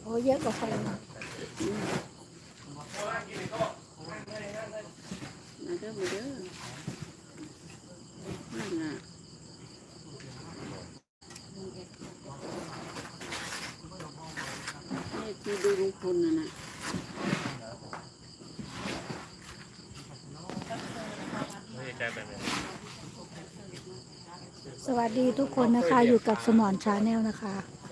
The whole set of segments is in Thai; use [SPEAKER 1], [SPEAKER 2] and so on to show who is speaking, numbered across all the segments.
[SPEAKER 1] อ้เยอะกว่าไฟนะ
[SPEAKER 2] มาเด้อมาเด้อนั่นน่ะนี่ที่ดูลุงพลน่ะนะ
[SPEAKER 1] สวัสดีทุกคนนะคะอยู่กับสมอนชาแนลนะคะ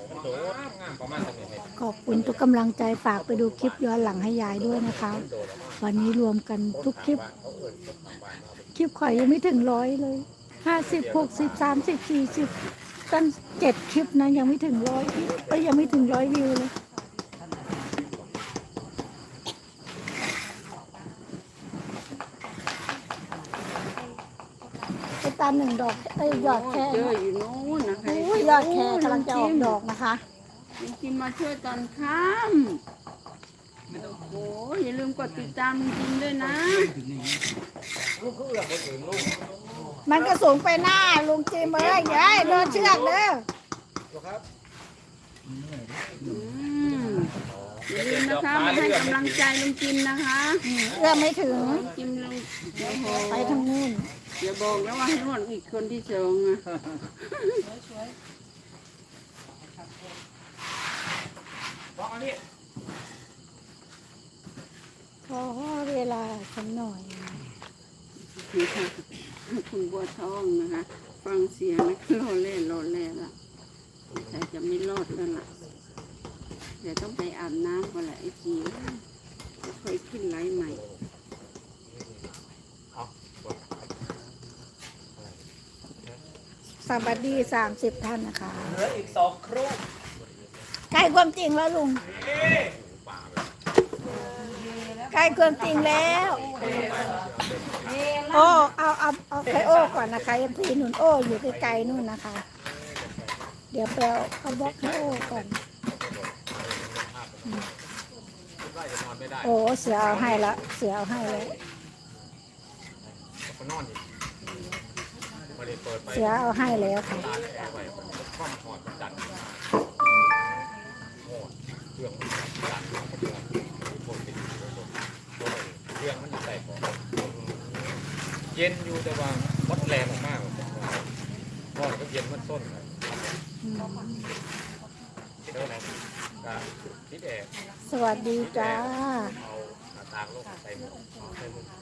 [SPEAKER 1] ขอบคุณทุกกำลังใจฝากไปดูคลิปย้อนหลังให้ยายด้วยนะคะวันนี้รวมกันทุกคลิปข่อยยังไม่ถึง100เลย50 60 30 40ตั้ง7 คลิปนะยังไม่ถึง100ก็ยังไม่ถึง100 วิวเลยไปตาม1 ดอกยอดแค่
[SPEAKER 2] เจออยู่โน้นนะคะ
[SPEAKER 1] ยอดแคกำลังจะออกดอกนะคะ
[SPEAKER 2] ลุงจิมมาช่วยตอนค่ำโอ้ยอย่าลืมกดติดตามลุงจิมด้วยนะ
[SPEAKER 1] มันก็สูงไปหน้าลุงจีมเอ้ยยายโดนเชือกเด้อ
[SPEAKER 2] อย่าลืมนะคะมาให้กำลังใจลุงจิมนะคะ
[SPEAKER 1] เอื้อมไม่ถึง
[SPEAKER 2] จิมลุง
[SPEAKER 1] ไปทางนู้น
[SPEAKER 2] อย่าบอกแล้วว่าให้นวดอีกคนที่สองอ่ะ
[SPEAKER 1] ขอเวลาสักหน่อย
[SPEAKER 2] คุณบัวทองนะคะฟังเสียงนะรอเล่ละแต่จะไม่รอดแล้วล่ะเดี๋ยวต้องไปอาบน้ำก่อนแหละไอ้จีค่อยขึ้นไลฟ์ใหม่
[SPEAKER 1] สวัสดี30 ท่านนะคะ
[SPEAKER 3] เหลืออีก2 ครู่
[SPEAKER 1] ใกล้ความจริงแล้วลุงใกล้ความจริงแล้วโอ้เอาใครโอ้ก่อนนะคะยังทีนุ่นโอ้อยู่ไกลๆนู่นนะคะ เดี๋ยวไปเอาบล็อกให้โอ้ก่อนโอ้เสือเอาให้ละเสือเอาให้แล้วเสือเอาให้แล้วค่ะ
[SPEAKER 3] เย็นอยู่แต่ว่าวัดแรงมากพ่อก็เย็นมันส้น
[SPEAKER 1] สวัสดีจ้า
[SPEAKER 3] ตางโลกใส่หมวกใส่หมวก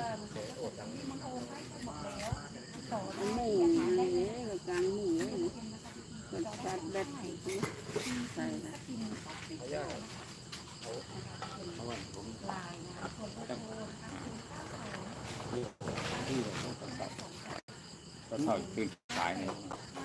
[SPEAKER 2] หมูอะไรเนี่ยกับกลางหมูเลยกดจัดแบบใส่ละ
[SPEAKER 3] ก็เท่าตื่นสายนี่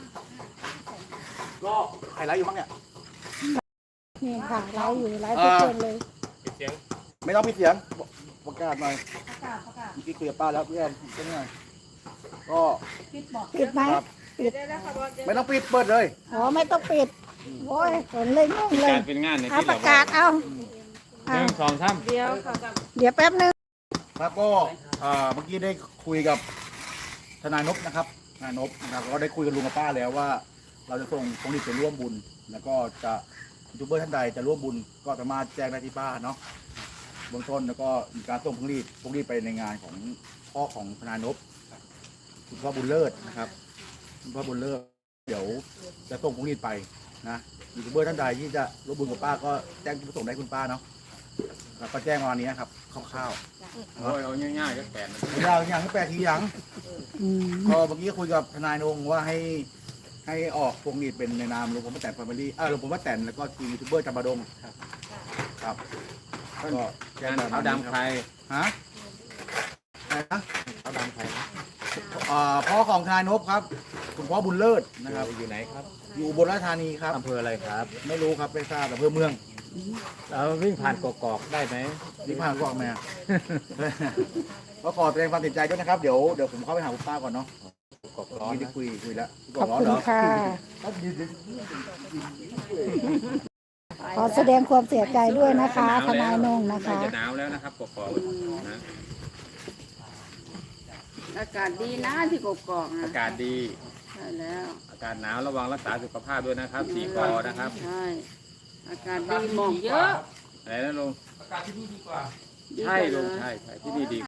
[SPEAKER 3] ก็ใครไลฟ์อยู่บ้างเนี่ย
[SPEAKER 1] นี่ค่ะไลฟ์อยู่ไลฟ์ทุกคนเลย
[SPEAKER 3] ปิดเสียงไม่ต้องปิดเสียงประกาศหน่อยเมื่อกี้คุยกับป้าแล้วเพื่อนเป็นไงก็
[SPEAKER 1] ปิดไหมปิด
[SPEAKER 3] ไม่ต้องปิดเปิดเลย
[SPEAKER 1] อ๋อไม่ต้องปิดโอ้ยฝนเลยงงเลย
[SPEAKER 3] เป็นงาน
[SPEAKER 1] เอาประกาศเอา
[SPEAKER 3] 1 2 3
[SPEAKER 1] เดี๋ยวแป๊บนึง
[SPEAKER 3] ครับก็เมื่อกี้ได้คุยกับทนายนพนะครับทนายนพนะครับก็ได้คุยกับลุงกับป้าแล้วว่าเราจะส่งพวงหรีดไปร่วมบุญแล้วก็จะยูทูบเบอร์ท่านใดจะร่วมบุญก็สามารถแจ้งได้ที่ป้าเนาะเบื้องต้นแล้วก็มีการส่งพวงหรีดไปในงานของพ่อของทนายนพคุณพ่อบุญเลิศนะครับคุณพ่อบุญเลิศเดี๋ยวจะส่งพวงหรีดไปนะยูทูบเบอร์ท่านใดที่จะร่วมบุญกับป้าก็แจ้งที่ส่งได้คุณป้าเนาะแล้วก็แจ้งมาวันนี้ครับคร่าวๆโอ้ยเอาง่ายๆก็แปดยาวอย่างก็8 ทีอย่างก็เมื่อกี้คุยกับทนายนงว่าให้ออกพวงหรีดเป็นในนามหลวงพ่อป้าแตนแฟมิลี่หลวงพ่อป้าแตนแล้วก็ทีมยูทูบเบอร์จำปาดงครับก็แจ้งเอาดำใครฮะอะไรนะเอาดำใครพ่อของทนายนพครับคุณพ่อบุญเลิศนะครับอยู่ไหนครับอยู่อุบลราชธานีครับอำเภออะไรครับไม่รู้ครับไม่ทราบอำเภอเมืองเราวิ่งผ่านกอกได้ไหมวิ่งผ่านกอกไหมก็ขอแสดงความเสียใจด้วยนะครับเดี๋ยวผมเข้าไปหาคุณป้าก่อนเนาะกอกร้อนได้คุยแล้ว
[SPEAKER 1] ขอบคุณค่ะขอแสดงความเสียใจด้วยนะคะทนายนงนะคะ
[SPEAKER 3] จะหนาวแล้วนะครับกอกนะ
[SPEAKER 2] อากาศดีนะที่กกอก
[SPEAKER 3] อากาศดี
[SPEAKER 2] ใช่แล้ว
[SPEAKER 3] อากาศหนาวระวังรักษาสุขภาพด้วยนะครับ4 ก.นะครับ
[SPEAKER 2] ใช่อากาศดีหมอกเยอะ
[SPEAKER 4] ไหนนะลุง
[SPEAKER 5] อากาศที่นี่ดีกว่า
[SPEAKER 2] ดี
[SPEAKER 4] ใช่
[SPEAKER 2] กว่า
[SPEAKER 4] ลุง
[SPEAKER 2] เลย
[SPEAKER 4] ใช่ที่นี่ดี